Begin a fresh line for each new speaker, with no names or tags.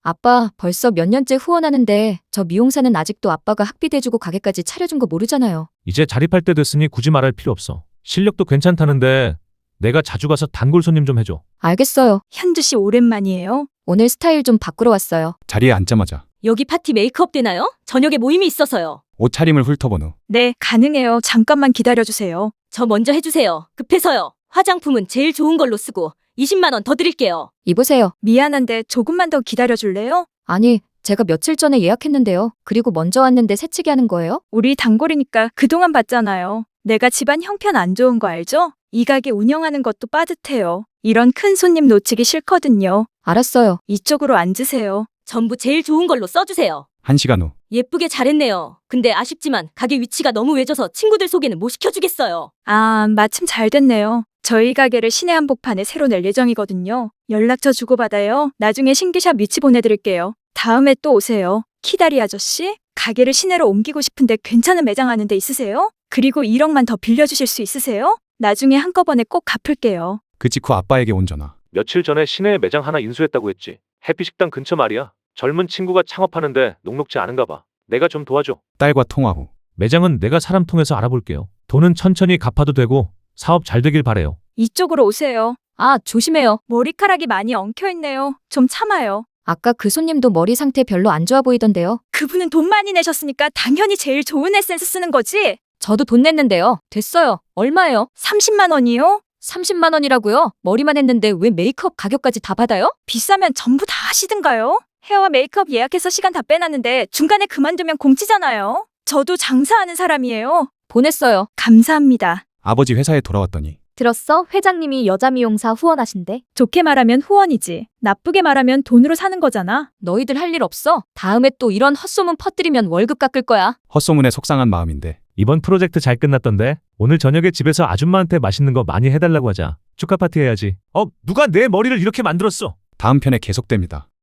아빠, 벌써 몇 년째 후원하는데 저 미용사는 아직도 아빠가 학비 대주고 가게까지 차려준 거 모르잖아요.
이제 자립할 때 됐으니 굳이 말할 필요 없어. 실력도 괜찮다는데 내가 자주 가서 단골 손님 좀 해줘.
알겠어요.
현주 씨 오랜만이에요.
오늘 스타일 좀 바꾸러 왔어요.
자리에 앉자마자
여기 파티 메이크업 되나요? 저녁에 모임이 있어서요.
옷차림을 훑어본 후
네, 가능해요. 잠깐만 기다려주세요.
저 먼저 해주세요. 급해서요. 화장품은 제일 좋은 걸로 쓰고 20만 원 더 드릴게요.
이보세요.
미안한데 조금만 더 기다려줄래요?
아니, 제가 며칠 전에 예약했는데요. 그리고 먼저 왔는데 새치기 하는 거예요?
우리 단골이니까 그동안 봤잖아요. 내가 집안 형편 안 좋은 거 알죠? 이 가게 운영하는 것도 빠듯해요. 이런 큰 손님 놓치기 싫거든요.
알았어요.
이쪽으로 앉으세요.
전부 제일 좋은 걸로 써주세요.
1시간 후
예쁘게 잘했네요. 근데 아쉽지만 가게 위치가 너무 외져서 친구들 소개는 못 시켜주겠어요.
아, 마침 잘 됐네요. 저희 가게를 시내 한복판에 새로 낼 예정이거든요. 연락처 주고받아요. 나중에 신규샵 위치 보내드릴게요. 다음에 또 오세요. 키다리 아저씨, 가게를 시내로 옮기고 싶은데 괜찮은 매장 아는 데 있으세요? 그리고 1억만 더 빌려주실 수 있으세요? 나중에 한꺼번에 꼭 갚을게요.
그 직후 아빠에게 온 전화.
며칠 전에 시내에 매장 하나 인수했다고 했지. 해피식당 근처 말이야. 젊은 친구가 창업하는데 녹록지 않은가 봐. 내가 좀 도와줘.
딸과 통화 후
매장은 내가 사람 통해서 알아볼게요. 돈은 천천히 갚아도 되고 사업 잘 되길 바래요.
이쪽으로 오세요.
아, 조심해요.
머리카락이 많이 엉켜있네요. 좀 참아요.
아까 그 손님도 머리 상태 별로 안 좋아 보이던데요.
그분은 돈 많이 내셨으니까 당연히 제일 좋은 에센스 쓰는 거지.
저도 돈 냈는데요. 됐어요. 얼마예요?
30만 원이요?
30만 원이라고요? 머리만 했는데 왜 메이크업 가격까지 다 받아요?
비싸면 전부 다 하시든가요? 헤어와 메이크업 예약해서 시간 다 빼놨는데 중간에 그만두면 공치잖아요. 저도 장사하는 사람이에요.
보냈어요.
감사합니다.
아버지 회사에 돌아왔더니
들었어? 회장님이 여자 미용사 후원하신대.
좋게 말하면 후원이지. 나쁘게 말하면 돈으로 사는 거잖아.
너희들 할 일 없어? 다음에 또 이런 헛소문 퍼뜨리면 월급 깎을 거야.
헛소문에 속상한 마음인데
이번 프로젝트 잘 끝났던데 오늘 저녁에 집에서 아줌마한테 맛있는 거 많이 해달라고 하자. 축하 파티 해야지. 누가 내 머리를 이렇게 만들었어?
다음 편에 계속됩니다.